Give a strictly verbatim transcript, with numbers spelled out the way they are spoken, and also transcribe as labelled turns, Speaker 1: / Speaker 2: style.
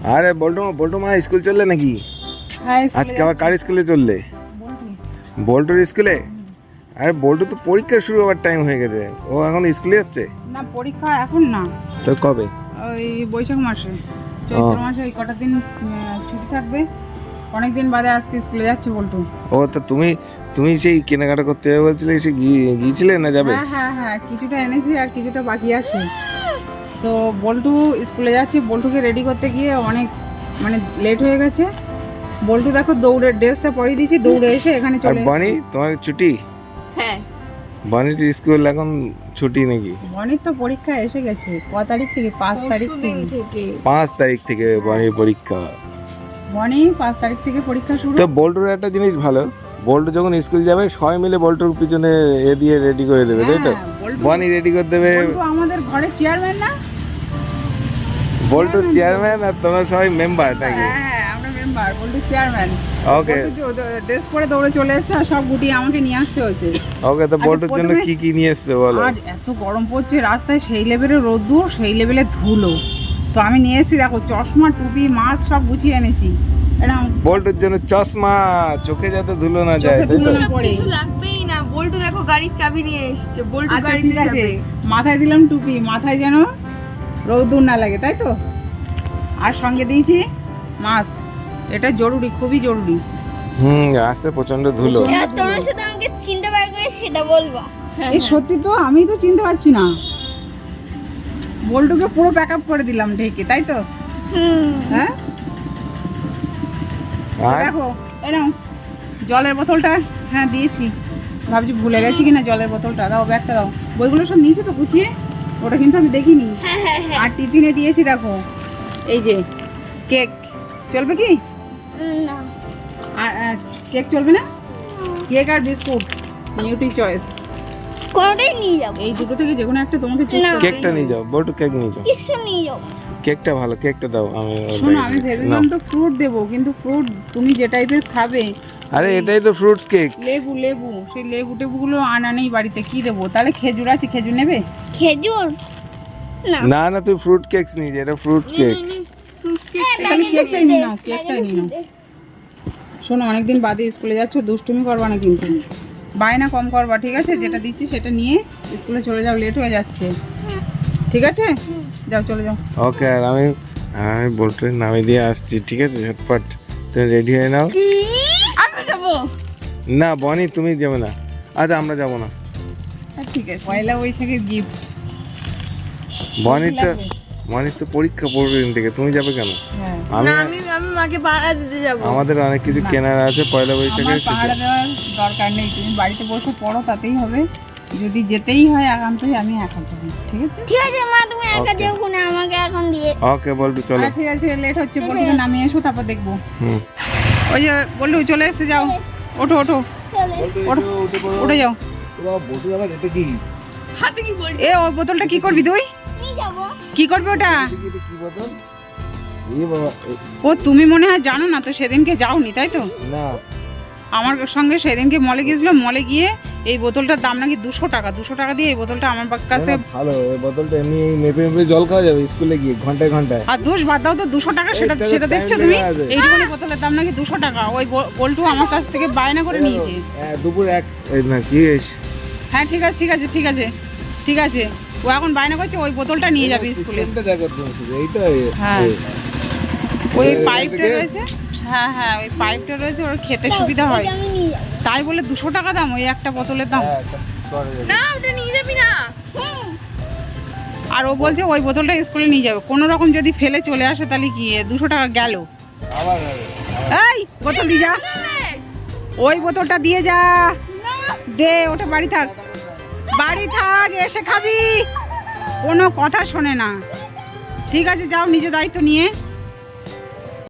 Speaker 1: আরে বল্টু বল্টু মা স্কুল চললে নাকি? আজকে আবার কার স্কুলে চললে? বল্টুর স্কুলে? আরে বল্টু তো পরীক্ষা শুরু হওয়ার টাইম হয়ে গেছে, ও এখন স্কুলে যাচ্ছে
Speaker 2: না? পরীক্ষা এখন না,
Speaker 1: তো কবে?
Speaker 2: ওই বৈশাখ মাসে, চৈত্র মাসে ওই কটা দিন ছুটি থাকবে, অনেকদিন বাদে আজকে স্কুলে যাচ্ছে বল্টু।
Speaker 1: ও তা তুমি তুমি সেই কেনাকাটা করতে যাবে বলছিলে, সে গিয়েছিলে না যাবে?
Speaker 2: হ্যাঁ হ্যাঁ হ্যাঁ কিছুটা এনেছি আর কিছুটা বাকি আছে। তো বল্টু স্কুলে যাচ্ছে, বল্টুকে রেডি করতে গিয়ে অনেক মানে লেট হয়ে গেছে। বল্টু দেখো দৌড়ে ড্রেসটা পরিয়ে দিয়েছি, দৌড়ে এসে এখানে চলে এসেছে।
Speaker 1: বানি তোমার ছুটি?
Speaker 3: হ্যাঁ
Speaker 1: বানির স্কুল এখন ছুটি নাকি?
Speaker 2: বনির তো পরীক্ষা এসে গেছে। ক তারিখ থেকে? পাঁচ তারিখ
Speaker 3: দিন
Speaker 2: থেকে।
Speaker 3: থেকে
Speaker 1: পাঁচ তারিখ থেকে বানির পরীক্ষা।
Speaker 2: বনি পাঁচ তারিখ থেকে পরীক্ষা শুরু।
Speaker 1: তো বল্টুর একটা জিনিস ভালো, বল্টু যখন স্কুল যাবে সবাই মিলে বল্টুর পিছনে এ দিয়ে রেডি করে দেবে, তাই তো?
Speaker 2: হ্যাঁ, বল্টু-
Speaker 1: বানি রেডি করে দেবে।
Speaker 2: বল্টু আমাদের ঘরের চেয়ারম্যান না?
Speaker 1: বল্টু চেয়ারম্যান আর তোমরা সবাই মেম্বার নাকি?
Speaker 2: হ্যাঁ হ্যাঁ আমরা member, Boltu chairman.
Speaker 1: Okay
Speaker 2: dress পরে দৌড়ে চলে এসেছে আর সব গুটিয়ে আমাকে নিয়ে আসতে হয়েছে।
Speaker 1: ওকে, তো
Speaker 2: আচ্ছা,
Speaker 1: বল্টুর জন্য
Speaker 2: প্রথমে-
Speaker 1: কি কি নিয়ে এসছো বলো?
Speaker 2: আর এত গরম পড়ছে রাস্তায়, সেই লেভেলের রোদ্দুর, সেই লেভেলের ধুলো। তো আমি নিয়ে এসেছি দেখো চশমা, টুপি, মাস্ক সব গুছিয়ে এনেছি। এটা
Speaker 1: বল্টুর জন্য চশমা, চোখে যাতে ধুলো না যায়,
Speaker 2: চোখে
Speaker 1: তাই
Speaker 2: ধুলো
Speaker 1: তো?
Speaker 2: না পড়ে।
Speaker 3: কিছু লাগবেই না। বল্টু দেখো গাড়ির চাবি নিয়ে এসেছে, বল্টু
Speaker 2: আচ্ছা
Speaker 3: গাড়িতে
Speaker 2: ঠিক আছে,
Speaker 3: যাবে।
Speaker 2: মাথায় দিলাম টুপি, মাথায় যেন রোদ্দুর না লাগে, তাই তো? আর সঙ্গে দিয়েছি মাস্ক, এটা জরুরি, খুবই জরুরি।
Speaker 1: হুম, রাস্তায় প্রচন্ড ধুলো।
Speaker 2: প্রচণ্ড ধুলো।
Speaker 4: তোমরা শুধু আমাকে চিনতে পারবে সেটা বলবা।
Speaker 2: এই সত্যি তো, আমি তো চিনতে পারছি না। বল্টুকে পুরো প্যাক আপ করে দিলাম ঢেকে, তাই তো?
Speaker 4: হুম
Speaker 2: হ্যাঁ
Speaker 1: আর
Speaker 2: দেখো এই নাও জলের বোতলটা, হ্যাঁ দিয়েছি, ভাবছি ভুলে গেছি কিনা জলের বোতলটা। দাও ব্যাগটা দাও, বইগুলো সব নিয়েছো তো গুছিয়ে? ওটা কিন্তু আমি দেখিনি।
Speaker 4: হ্যাঁ হ্যাঁ হ্যাঁ
Speaker 2: আর টিফিনে দিয়েছি দেখো এই যে কেক, চলবে কি?
Speaker 4: উম, না
Speaker 2: আর আর কেক চলবে না? কেক আর বিস্কুট নিউট্রি চয়েস,
Speaker 4: কোনোটাই নিয়ে যাবো।
Speaker 2: এই দুটো থেকে যে কোনো একটা তোমাকে চুজ
Speaker 4: না।
Speaker 2: করতে।
Speaker 1: কেকটা নিয়ে যাও, বল্টু কেক নিয়ে যাও।
Speaker 4: কিছু নিয়ে যাবো।
Speaker 1: কেকটা ভালো, কেকটা দাও। আমি ওর
Speaker 2: শোনো
Speaker 1: ব্যাগে
Speaker 2: আমি
Speaker 1: দিচ্ছি,
Speaker 2: ভেবেছিলাম
Speaker 1: নাও।
Speaker 2: তো ফ্রুট দেবো, কিন্তু ফ্রুট তুমি যে টাইপের খাবে,
Speaker 1: আরে এটাই তো ফ্রুটস কেক।
Speaker 2: লেবু লেবু সেই লেবু টেবুগুলো আনা নেই বাড়িতে, কি দেবো? তাহলে খেজুর আছে, খেজুর নেবে?
Speaker 4: খেজুর না
Speaker 1: না না, তুই ফ্রুট কেকস নিয়ে যা, এটা ফ্রুট কেক।
Speaker 2: তাহলে কেকটাই নিয়ে নাও, কেকটাই নিয়ে নাও। শোনো অনেকদিন বাদে স্কুলে যাচ্ছ, দুষ্টুমি করবা না কিন্তু, বায়না কম করবা, ঠিক আছে? যেটা দিচ্ছি সেটা নিয়ে স্কুলে চলে যাও, লেট হয়ে যাচ্ছে, ঠিক আছে? যাও চলে যাও।
Speaker 1: ওকে, আর আমি আমি বল্টুর নামে দিয়ে আসছি, ঠিক আছে? ঝটপট তুমি রেডি হয়ে নাও।
Speaker 4: আমি যাবো।
Speaker 1: না বনি তুমি যাবে না, আচ্ছা আমরা যাবো না।
Speaker 2: হ্যাঁ, ঠিক আছে, পয়লা বৈশাখের গিফট।
Speaker 1: বনির তো বনির তো পরীক্ষা পড়বে দিন থেকে, তুমি যাবে কেন?
Speaker 2: হ্যাঁ,
Speaker 1: আমি
Speaker 3: না আমি আমি মাকে পাড়া দিতে যাবো।
Speaker 1: আমাদের অনেক কিছু
Speaker 2: না।
Speaker 1: কেনার আছে পয়লা
Speaker 2: আমার
Speaker 1: বৈশাখের।
Speaker 2: পাহাড়া দেওয়ার দরকার নেই, তুমি বাড়িতে বসে পড়ো, তাতেই হবে। যদি যেতেই হয় একান্তই আমি একা যাবো, ঠিক আছে?
Speaker 4: ঠিক আছে মা, তুমি একা
Speaker 1: Okay.
Speaker 4: যেও, কোনে আমাকে এখন দিয়ে।
Speaker 1: ওকে বল্টু চলো।
Speaker 2: আচ্ছা, ঠিক আছে, লেট হচ্ছে, বলটুকে নামিয়ে এসো, তারপর দেখবো।
Speaker 1: হুম,
Speaker 2: ওই যে বলটু চলে এসে, যাও, ওঠো ওঠো,
Speaker 4: চলে
Speaker 2: উঠে যাও।
Speaker 1: বল্টু আবার এটা কি?
Speaker 3: হাতে কি বলছি?
Speaker 2: এ ওই বোতলটা কি করবি তুই?
Speaker 4: নিয়ে যাবো।
Speaker 2: কি করবি ওটা?
Speaker 1: কি বোতল? এই বাবা, এ-
Speaker 2: ও তুমি মনে হয় জানো না তো, সেদিনকে যাওনি তাই তো?
Speaker 1: না
Speaker 2: আমার সঙ্গে সেদিনকে মলে গিয়েছিলাম, মলে গিয়ে এই বোতলটার দাম নাকি দুশো টাকা, দুশো টাকা দিয়ে এই বোতলটা আমার কাছে।
Speaker 1: না, ভালো এই বোতলটা এমনি মেপে মেপে জল খাওয়া যাবে স্কুলে গিয়ে ঘন্টায় ঘন্টায়।
Speaker 2: আর দোষ বাদ দাও তো, দুশো টাকা সেটা
Speaker 1: এই
Speaker 2: সেটা
Speaker 1: time
Speaker 2: দেখছো
Speaker 1: লেগে
Speaker 2: তুমি?
Speaker 1: আছে।
Speaker 2: এইটুকুনি বোতলের দাম নাকি দুশো টাকা, ওই ব- বল্টু আমার কাছ থেকে বায়না করে নিয়েছে।
Speaker 1: হ্যাঁ, দুপুর এক এই না কি এস-
Speaker 2: হ্যাঁ ঠিক আছে ঠিক আছে ঠিক আছে ঠিক আছে, ও এখন বায়না করছে ওই বোতলটা নিয়ে যাবে স্কুলে।
Speaker 1: সিস্টেমটা দেখো তুমি শুধু, এইটা এ-
Speaker 2: হ্যাঁ।
Speaker 1: এ।
Speaker 2: ওই
Speaker 1: এই
Speaker 2: পাইপটা
Speaker 1: থেকে?
Speaker 2: রয়েছে, হ্যাঁ হ্যাঁ ওই পাইপটা রয়েছে, ওর খেতে সুবিধা হয়,
Speaker 4: এটা আমি নিয়ে যাবো।
Speaker 2: তাই বলে দুশো টাকা দাম ওই একটা বোতলের দাম।
Speaker 1: হ্যাঁ, একটা করে দেবে।
Speaker 3: না ওটা নিয়ে যাবি না।
Speaker 4: হুম
Speaker 2: আর ও বলছে ওই বোতলটা স্কুলে নিয়ে যাবে, কোনো রকম যদি ফেলে চলে আসে তাহলে কি দুশো টাকা গেল?
Speaker 1: আবার হবে।
Speaker 2: এই বোতল দিয়ে যা, ওই বোতলটা দিয়ে যা, দে ওটা বাড়ি থাক, বাড়ি থাক, এসে খাবি, কোনো কথা শোনে না। ঠিক আছে যাও, নিজে দায়িত্ব নিয়ে